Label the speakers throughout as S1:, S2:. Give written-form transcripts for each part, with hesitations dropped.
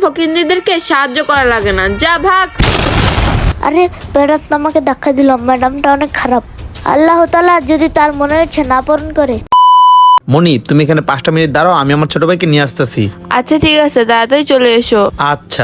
S1: ফকিন্নিদেরকে সাহায্য করা লাগে না, যা ভাগ।
S2: আরে ম্যাডাম তো আমাকে ধাক্কা দিল, ম্যাডামটা অনেক খারাপ। আল্লাহ তাআলা যদি তার মনের ইচ্ছা না পূরণ করে।
S3: মনি, তুমি এখানে 5টা মিনিট দাঁড়াও, আমি আমার ছোট ভাইকে নিয়ে আসতেছি।
S1: আচ্ছা ঠিক আছে, তাড়াতাড়ি চলে এসো।
S3: আচ্ছা।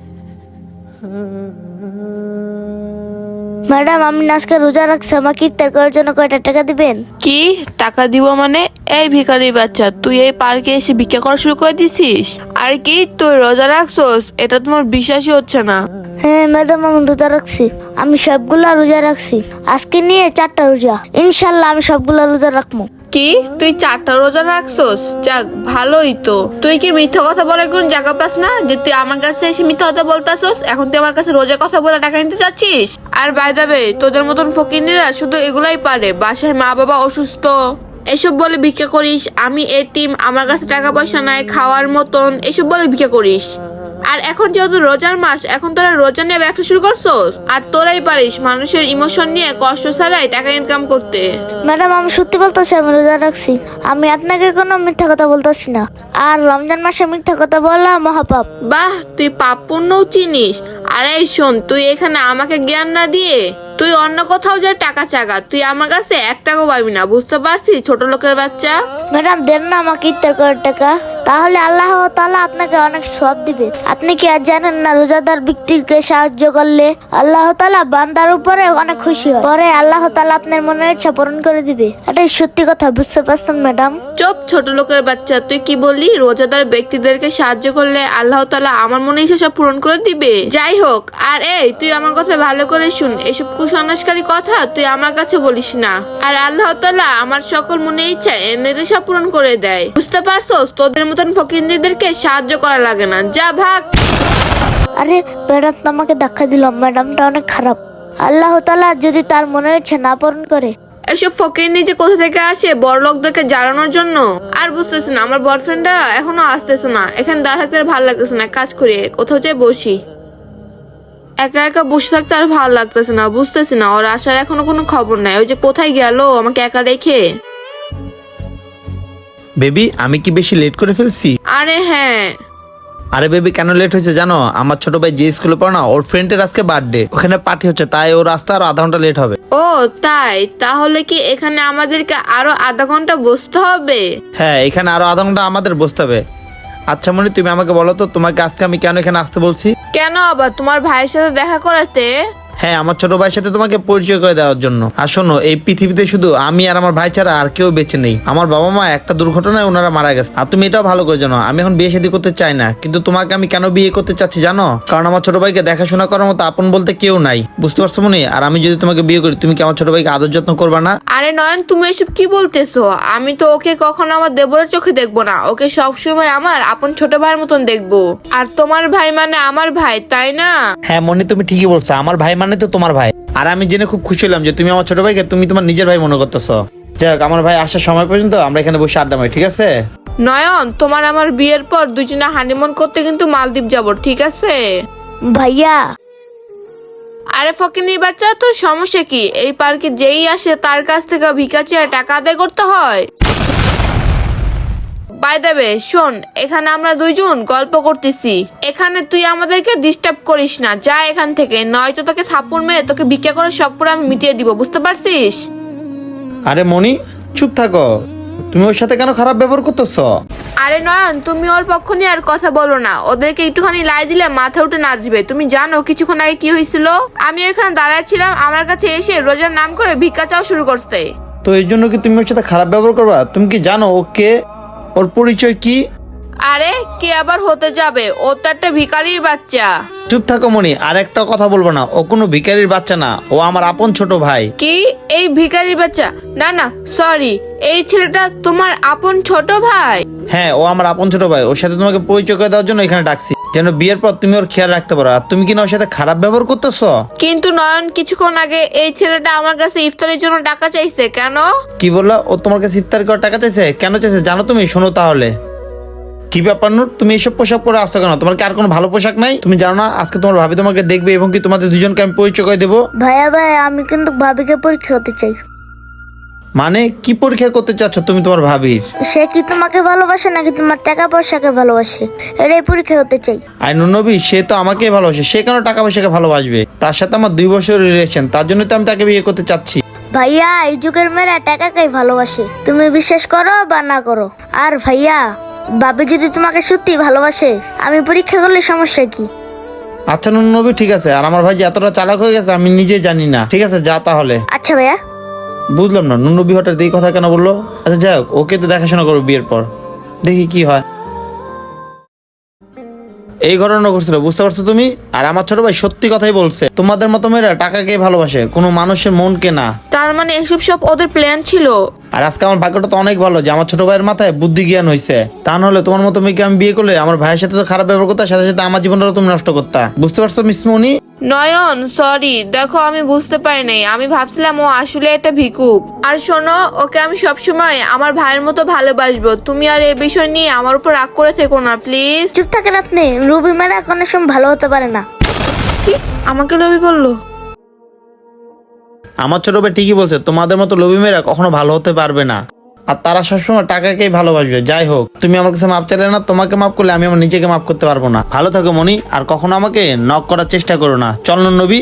S2: ম্যাডাম আমি আজকে রোজা রাখছি, আমাকে ইফতার করার জন্য কয়টা টাকা দিবেন?
S1: কি টাকা দিব মানে? এই ভিখারি বাচ্চা, তুই এই পার্কে এসে ভিক্ষা করা শুরু করে দিছিস? আর কি তুই রোজা রাখছস? এটা তোমার বিশ্বাসই হচ্ছে না।
S2: হ্যাঁ ম্যাডাম আমি রোজা রাখছি, আমি সবগুলা রোজা রাখছি। আজকে নিয়ে 4টা রোজা, ইনশাল্লাহ আমি সবগুলা রোজা রাখবো।
S1: কি তুই 4টা রোজা রাখছস? যাক ভালোই তো। তুই কি মিথ্যা কথা বলার কোন জায়গা পাস না যে তুই আমার কাছে এসে মিথ্যা কথা বলতাছস? এখন তুই আমার কাছে রোজা কথা বলে টাকা নিতে চাচ্ছিস? আর বাই দ্য ওয়ে, তোদের মতন ফকিন্নিরা শুধু এগুলাই পারে, বাসায় মা বাবা অসুস্থ এসব বলে ভিক্ষা করিস। আমি এতিম, আমার কাছে টাকা পয়সা নাই খাওয়ার মতন, এসব বলে ভিক্ষা করিস। আর এখন যেহেতু রোজার মাস, এখন তোরা রোজা নিয়ে ব্যবসা শুরু করছস। আর তোরাই পারিস মানুষের ইমোশন নিয়ে কষ্ট ছাড়াই টাকা ইনকাম করতে।
S2: ম্যাডাম আমি সত্যি বলতেছি আমি রোজা রাখছি, আমি আপনাকে কোনো মিথ্যা কথা বলতেছি না। আর রমজান মাসে মিথ্যা কথা বলা মহাপাপ।
S1: বাহ, তুই পাপ পুণ্যও চিনিস। আরে শোন, তুই এখানে আমাকে জ্ঞান না দিয়ে তুই অন্য কোথাও যা টাকা চাগা, তুই আমার কাছে 1 টাকাও পাবি না, বুঝতে পারছিস ছোট লোকের বাচ্চা?
S2: ম্যাডাম দেন না আমাকে ইফতার করার টাকা, তাহলে আল্লাহ তাআলা আপনাকে অনেক সওয়াব দিবে। আপনি কি আর জানেন না রোজাদার ব্যক্তিকে সাহায্য করলে আল্লাহ তাআলা বান্দার উপরে অনেক খুশি হয়, পরে আল্লাহ তাআলা আপনার মনের ইচ্ছা পূরণ করে দিবে। এটাই সত্যি কথা, বুঝতে পারছেন ম্যাডাম?
S1: চুপ ছোট লোকের বাচ্চা, তুই কি বললি? রোজাদার ব্যক্তিদেরকে সাহায্য করলে আল্লাহ তাআলা আমার মনে ইচ্ছা সব পূরণ করে দিবে? যাই হোক, আর এই তুই আমার কথা ভালো করে শুন, এসব কুসংস্কারী কথা তুই আমার কাছে বলিস না। আর আল্লাহ তাআলা আমার সকল মনে ইচ্ছা এমনিতে সব পূরণ করে দেয়, বুঝতে পারছস? তোদের মতন ফকিন্নিদেরকে সাহায্য করা লাগে না, যা ভাগ।
S2: আরে ম্যাডাম তো আমাকে ধাক্কা দিল, ম্যাডামটা অনেক খারাপ। আল্লাহ তাআলা যদি তার মনের ইচ্ছা না পূরণ করে।
S1: এসব ফকিন্নি যে কোথা থেকে আসে বড় লোকদেরকে জ্বালানোর জন্য। আর বুঝতেছি না, আমার বয়ফ্রেন্ডটা এখনো আসতেছে না। এখানে দাঁড়া থাকতে আর ভালো লাগতেছে না, কাজ করি কোথাও যাই বসি। একা একা বসে থাকতে আর ভালো লাগতেছে না, বুঝতেছি না ওর আসার এখনো কোনো খবর নাই। ওই যে কোথায় গেল আমাকে একা রেখে?
S3: বেবি, আমি কি বেশি লেট করে ফেলছি?
S1: আরে হ্যাঁ।
S3: আরে বেবি, কেন লেট হয়েছে জানো? আমার ছোট ভাই যে স্কুলে পড়ে না, ওর ফ্রেন্ডের আজকে বার্থডে, ওখানে পার্টি হচ্ছে, তাই ওর রাস্তা আর আধা ঘন্টা লেট হবে।
S1: ও তাই? তাহলে কি এখানে আমাদেরকে আরো আধা ঘন্টা বসতে হবে?
S3: হ্যাঁ, এখানে আরো আধা ঘন্টা আমাদের বসতে হবে। আচ্ছা মনি, তুমি আমাকে বলো তো, তোমাকে আজকে আমি কেন এখানে আসতে বলছি?
S1: কেন আবার? তোমার ভাইয়ের সাথে দেখা করাতে?
S3: হ্যাঁ, আমার ছোট ভাইয়ের সাথে তোমাকে পরিচয় করে দেওয়ার জন্য। আর শোনো, এই পৃথিবীতে শুধু আমি আর আমার ভাই ছাড়া আর কেউ বেঁচে নেই। আমার বাবা মা একটা দুর্ঘটনায় ওনারা মারা গেছে। আর তুমি এটাও ভালো করে জানো, আমি এখন বিয়ে শাদী করতে চাই না। কিন্তু তোমাকে আমি কেন বিয়ে করতে চাচ্ছি জানো? কারণ আমার ছোট ভাইকে দেখাশোনা করার মতো আপন বলতে কেউ নাই, বুঝতে পারছো মনি? আর আমি যদি তোমাকে বিয়ে করি, তুমি কি আমার ছোট ভাইকে আদর যত্ন করবা না?
S1: আরে নয়ন, তুমি এসব কি বলতেছো? আমি তো ওকে কখনো আমার দেবরের চোখে দেখবো না, ওকে সবসময় আমার আপন ছোট ভাইয়ের মতন দেখবো। আর তোমার ভাই মানে আমার ভাই, তাই না?
S3: হ্যাঁ মনি, তুমি ঠিকই বলছো, আমার ভাই মানে তো তোমার ভাই। আর আমি জেনে খুব খুশি হলাম যে তুমি আমার ছোট ভাইকে তুমি তোমার নিজের ভাই মনে করতেছো। যাই হোক, আমার ভাই আসার সময় পর্যন্ত আমরা এখানে বসে আড্ডা মারি, ঠিক আছে?
S1: নয়ন, তোমার আমার বিয়ের পর দুজনে হানিমুন করতে কিন্তু মালদ্বীপ যাব, ঠিক আছে?
S2: ভাইয়া
S1: আরে ফকিনি বাচ্চা, তোর সমস্যা কি? এই পার্কে যেই আসে তার কাছ থেকে ভিক্ষা চেয়ে টাকা আদায় করতে হয়? বাই দ্য ওয়ে, শোন, এখানে আমরা দুইজন গল্প করতেছি, এখানে তুই আমাদেরকে ডিস্টার্ব করিস না, যা এখান থেকে, নয়তো তোকে থাপ্পড় মেরে তোকে ভিক্ষা করে সব পুরো আমি মিটিয়ে দিব, বুঝতে পারছিস?
S3: আরে মনি, চুপ থাকো, তুমি ওর সাথে কেন খারাপ ব্যবহার করতেছো?
S1: আরে নয়ন, তুমি ওর পক্ষ নিয়ে আর কথা বলো না, ওদেরকে একটুখানি লাই দিলে মাথা উঠে নাচবে। তুমি জানো কিছুক্ষণ আগে কি হয়েছিল? আমি ওখানে দাঁড়াচ্ছিলাম, আমার কাছে এসে রোজার নাম করে ভিক্ষা চাও শুরু করতে।
S3: তো এই জন্য কি তুমি ওর সাথে খারাপ ব্যবহার করবা? তুমি কি জানো ওকে, ওর পরিচয় কি?
S1: আরে কে আবার হতে যাবে? ও তো একটা ভিখারির বাচ্চা।
S3: চুপ থাকো মনি, আর একটা কথা বলবো না। ও কোনো ভিখারির বাচ্চা না, ও আমার আপন ছোট ভাই।
S1: কি? এই ভিখারির বাচ্চা? না না, সরি, এই ছেলেটা তোমার আপন ছোট ভাই?
S3: হ্যাঁ, ও আমার আপন ছোট ভাই। ওর সাথে তোমাকে পরিচয় করে দেওয়ার জন্য এখানে ডাকছি, যেন বিয়ের পর তুমি ওর খেয়াল রাখতে পারো। আর তুমি কিনা ওর সাথে খারাপ ব্যবহার করতেছো।
S1: কিন্তু নয়ন, কিছুক্ষণ আগে এই ছেলেটা আমার কাছে ইফতারের জন্য টাকা চাইছে, কেন?
S3: কি বললা? ও তোমার কাছে ইফতার করে টাকা চাইছে? কেন চাইছে জানো তুমি? শোনো তাহলে। কি ব্যাপার নূর, তুমি এইসব পোশাক পরে আসছো কেন? তোমার কি আর কোনো ভালো পোশাক নাই? তুমি জানো না আজকে তোমার ভাবি তোমাকে দেখবে এবং কি তোমাদের দুজনকে আমি পরিচয় করে দেবো?
S2: ভাইয়া আমি কিন্তু ভাবিকে পরীক্ষা হতে চাই।
S3: মানে কি পরীক্ষা করতে চাচ্ছ তুমি তোমার ভাবির?
S2: সে কি তোমাকে ভালোবাসে নাকি তোমার টাকা পয়সাকে ভালোবাসে, এটাই পরীক্ষা করতে চাই।
S3: আর নবী সে তো আমাকেই ভালোবাসে, সে কেন টাকা পয়সাকে ভালোবাসবে? তার সাথে আমার 2 বছর রিলেশন, তার জন্য তো আমি তাকে বিয়ে করতে চাচ্ছি।
S2: ভাইয়া এই যুগের মেয়েরা টাকাকেই ভালোবাসে, তুমি বিশ্বাস করো বা না করো। আর ভাইয়া ভাবি যদি তোমাকে সত্যি ভালোবাসে, আমি পরীক্ষা করলে সমস্যা কি?
S3: আচ্ছা নবী ঠিক আছে, আর আমার ভাই যে এতটা চালাক হয়ে গেছে আমি নিজে জানি না। ঠিক আছে যা তাহলে।
S2: আচ্ছা ভাইয়া।
S3: বুঝলাম না নবী হঠাৎ এই কথা কেন বললো। আচ্ছা যাই হোক, ওকে তো দেখাশোনা করবো বিয়ের পর, দেখি কি হয়। এই ঘটনা ঘটছিল, বুঝতে পারছো তুমি? আর আমার ছোট ভাই সত্যি কথাই বলছে, তোমাদের মতো মেয়েরা টাকাকে ভালোবাসে, কোনো মানুষের মনকে না।
S1: তার মানে এসব সব ওদের প্ল্যান ছিল।
S3: আর আজকে আমার ভাগ্যটা তো অনেক ভালো যে আমার ছোট ভাইয়ের মাথায় বুদ্ধি জ্ঞান হয়েছে। তা নাহলে তোমার মতো মেয়েকে আমি বিয়ে করলে আমার ভাইয়ের সাথে তো খারাপ ব্যবহার করতে, সাথে সাথে আমার জীবনটা তুমি নষ্ট করতা। বুঝতে পারছো মিস মনি?
S1: নয়ন সরি, দেখো আমি বুঝতে পারি নাই, আমি ভাবছিলাম ও আসলে একটা ভিকুক। আর শোনো, ওকে আমি সবসময় আমার ভাইয়ের মতো ভালোবাসবো, তুমি আর এই বিষয় নিয়ে আমার উপর রাগ করে থেকো না প্লিজ।
S2: চুপ থাকেন আপনি, রুবি মেয়েরা কোনো সময় ভালো হতে পারে না।
S1: কি আমাকে লোভী বললো?
S3: আমার ছোট ভাই ঠিকই বলছে, তোমাদের মতো লোভী মেয়েরা কখনো ভালো হতে পারবে না, আর তারা সবসময় টাকাকেই ভালোবাসবে। যাই হোক, তুমি আমার কাছে মাপ চাইলে না, তোমাকে মাপ করলে আমি আমার নিজেকে মাপ করতে পারবো না। ভালো থাকো মনি, আর কখনো আমাকে নক করার চেষ্টা করো না। চল নবী।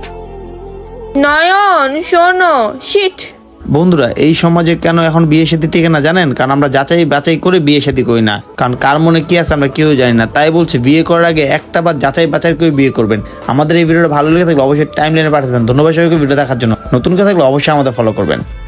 S1: নয়ন শোনো, শিট।
S3: বন্ধুরা এই সমাজে কেন এখন বিয়ে শাদী টিকে না জানেন? কারণ আমরা যাচাই বাছাই করে বিয়ে শাদী করি না, কারণ কার মনে কি আছে আমরা কেউ জানি না। তাই বলছি বিয়ে করার আগে একটা বার যাচাই বাছাই করে বিয়ে করবেন। আমাদের এই ভিডিওটা ভালো লেগে থাকলে অবশ্যই টাইম লাইনে পাঠাবেন। ধন্যবাদ সবাইকে ভিডিও দেখার জন্য। নতুন কেউ থাকলে অবশ্যই আমাদের ফলো করবেন।